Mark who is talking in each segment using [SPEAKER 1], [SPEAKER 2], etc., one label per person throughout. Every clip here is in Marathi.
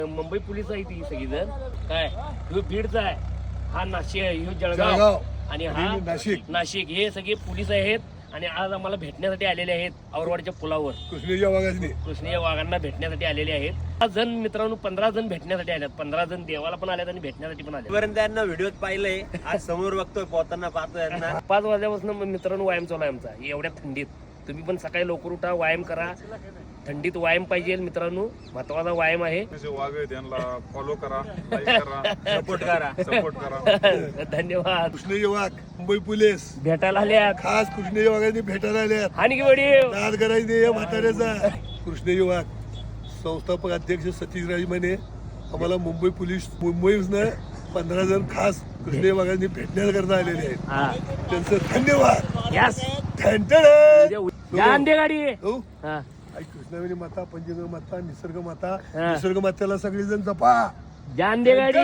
[SPEAKER 1] मुंबई पोलीस आहे ती सगळीजण काय ह्यो बीडचा आहे, हा नाशिक आहे, ह्यो जळगाव आणि हा नाशिक हे सगळे पोलीस आहेत. आणि आज आम्हाला भेटण्यासाठी आलेले आहेत औरवाडच्या पुलावर कृष्णीय वाघांना भेटण्यासाठी आलेले आहेत. 5 जण मित्रांनो 15 जण भेटण्यासाठी आलेत. 15 जण देवाला पण आलेत आणि भेटण्यासाठी पण आले.
[SPEAKER 2] त्यांना व्हिडिओत पाहिलंय, आज समोर बघतोय, पोहताना पाहतोय.
[SPEAKER 1] 5 वाजल्यापासून मित्रांनो व्यायाम चालू आहे आमचा एवढ्या थंडीत. तुम्ही पण सकाळी लवकर उठा, व्यायाम करा. थंडीत व्यायाम पाहिजे मित्रांनो, महत्वाचा व्यायाम आहे.
[SPEAKER 3] फॉलो करा, सपोर्ट करा.
[SPEAKER 1] धन्यवाद.
[SPEAKER 4] कृष्णेय वाघ मुंबई पोलीस
[SPEAKER 1] भेटायला आल्या,
[SPEAKER 4] खास कृष्णेय वाघांनी भेटायला आल्यात.
[SPEAKER 1] आणि की वडी
[SPEAKER 4] नाद करायचे या म्हाताऱ्याचा. कृष्णेय वाघ संस्थापक अध्यक्ष सतीश राज माने आम्हाला मुंबई पोलीस मुंबईतनं 15 जण खास कृष्णेय वाघांनी भेटण्याकरता आलेले आहेत. त्यांचं धन्यवाद.
[SPEAKER 1] यस
[SPEAKER 4] हो.
[SPEAKER 1] गाडी
[SPEAKER 4] कृष्णावेणी माता, पंचगंगा माता, निसर्ग माता, निसर्ग मातेला सगळेजण जपा.
[SPEAKER 1] जान दे गाडी.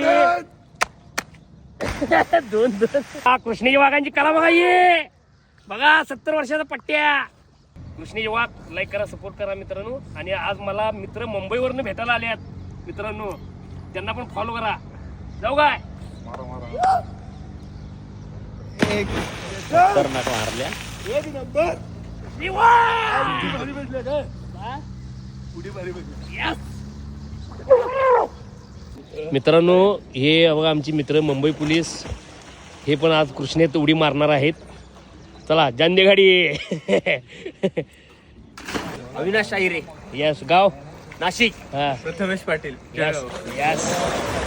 [SPEAKER 1] 2 कृष्णेय वाघांची कला बघा, ये बघा 70 वर्षाचा पट्ट्या. कृष्णेय वाघ लाईक करा, सपोर्ट करा मित्रांनो. आणि आज मला मित्र मुंबईवरनं भेटायला आल्यात मित्रांनो, त्यांना पण फॉलो करा. जाऊ काय
[SPEAKER 2] मारल्या
[SPEAKER 4] एक नंबर
[SPEAKER 1] मित्रांनो. हे बघा आमची मित्र मुंबई पोलीस, हे पण आज कृष्णेत उडी मारणार आहेत. चला जांदे गाडी.
[SPEAKER 2] अविनाश शाहिरे,
[SPEAKER 1] यस गाव
[SPEAKER 2] नाशिक.
[SPEAKER 1] हा
[SPEAKER 2] प्रथमेश पाटील,
[SPEAKER 1] यस यस.